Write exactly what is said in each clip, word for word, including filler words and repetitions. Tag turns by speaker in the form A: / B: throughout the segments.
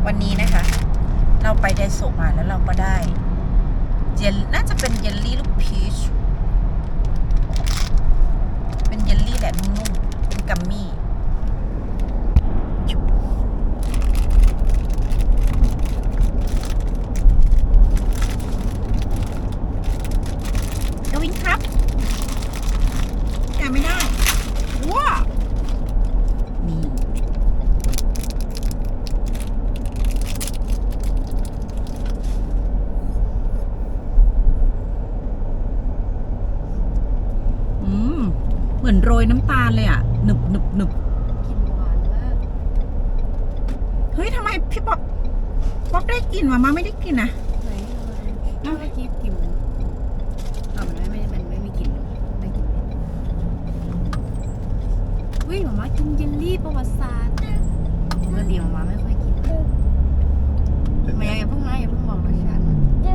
A: วันนี้นะคะเราไปไดโซะมาแล้วเราก็ได้เจลน่าจะเป็นเยลลี่ลูกพีชเป็นเยลลี่แหละนุ่มๆเป็นกัมมี่กวินครับแกไม่ได้ว้านี่เหมือนโรยน้ำตาลเลยอ่ะหนึบหนึบหนึบ
B: กลิ่นหวานมาก
A: เฮ้ยทำไมพี่ป๊อปป๊อปได้กลิ่นมามาไม่ได้กลิ่นนะ
B: ไหนเมื่อกี้กลิ่นมันอ่ะมันไม่ไม่มันไม่มีกลิ่นได้กลิ่นวิ่งหมามากินเยลลี่ประวัติศาสตร์ปกติหมามาไม่ค่อยกินมาอย่าเพิ่งนะอย่าเพิ่งบอกรสชาติ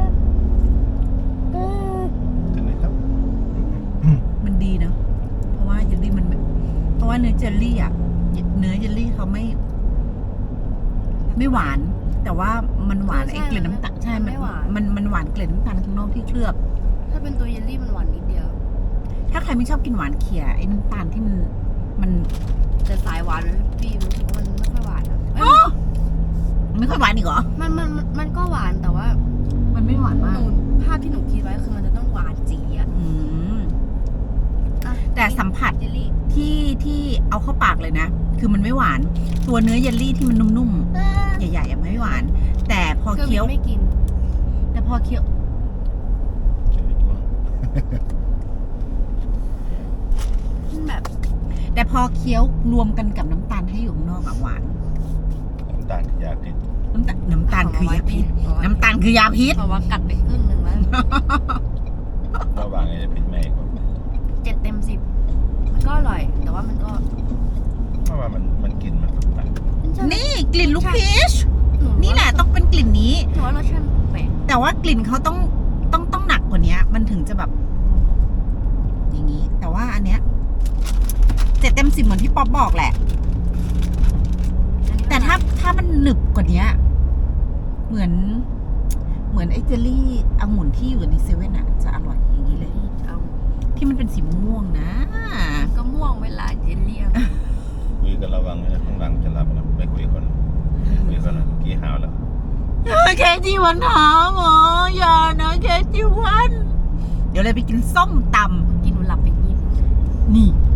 C: ถึงไหมครับ
A: มันดีนะเพราะว่าเยลลี่มันเพราะว่าเนื้อเจลลี่อ่ะเนื้อเยลลี่เขาไม่ไม่หวานแต่ว่ามันหวานไอ้เกล็ดน้ำตาลใช่มันมันมันหวานเกล็ดน้ำตาลข้างนอกที่เคลือบ
B: ถ้าเป็นตัวเยลลี่มันหวานนิดเดียว
A: ถ้าใครไม่ชอบกินหวานเขี่ยไอ้น้ำตาลที่มันมัน
B: แต่สายหวานพี่รู้สึกว่ามันไม่ค่อยหวานอะ
A: ไม่ค่อยหวานอีกเหรอ
B: มันมันมันก็หวานแต่ว่า
A: มันไม่หวานมาก
B: ภาพที่หนูคิดไว้คือมันจะต้องหวานจี๋อ่ะ
A: แต่สัมผัสที่ที่เอาเข้าปากเลยนะคือมันไม่หวานตัวเนื้อเยลลี่ที่มันนุ่มๆใหญ่ๆไม่หวานแต่พอเคี้ยว
B: ไม่กิน
A: แต่พอเคี้ยว
B: แบบ
A: แต่พอเคี้ยวรวมกันกับน้ำตาลให้อยู่ข้างนอกอะหวาน
C: น้ำตาลคือยาพิษ
A: น้ำตาลน้ำตาลคือยาพิษน้ำตาลคือยาพิษ
B: เพราะว่ากัดไปครึ่งหนึ่งแล้ว
C: ระหว่างนี้จะพิษแม่กว่า
B: เจ็ดเต็มสิบมันก็อร่อยแต่ว่ามันก็
C: เพราะว่ามันมันกลิ่นมันแปลก
A: นี่กลิ่นลูกพีชนี่แหละต้องเป็นกลิ่นนี้
B: แต่ว่ารสชาติแปลก
A: แต่ว่ากลิ่นเขาต้องต้องต้องหนักกว่านี้มันถึงจะแบบอย่างนี้แต่ว่าอันเนี้ยเจ็ดเต็มสิบเหมือนที่ป๊อปบอกแหละแต่ถ้าถ้ามันหนึบกว่านี้เหมือนเหมือนไอ้เจลลี่องุ่นที่อยู่ในเซเว่นอะจะอร่อยอย่างนี้เลยที่มันเป็นสีม่วงนะ
B: ก็ม่วงเวลาเจลลี่
C: คุยกันระวังนะข้างหลังจะรับนะไม่คุยคนคุยคนนะกี่หาวแล้ว
A: แค่จีวันหาหมออย่านะแค่จีวันเดี๋ยวเลยไปกินส้มตำ
B: กินหนูหลับไปนิด
A: นี่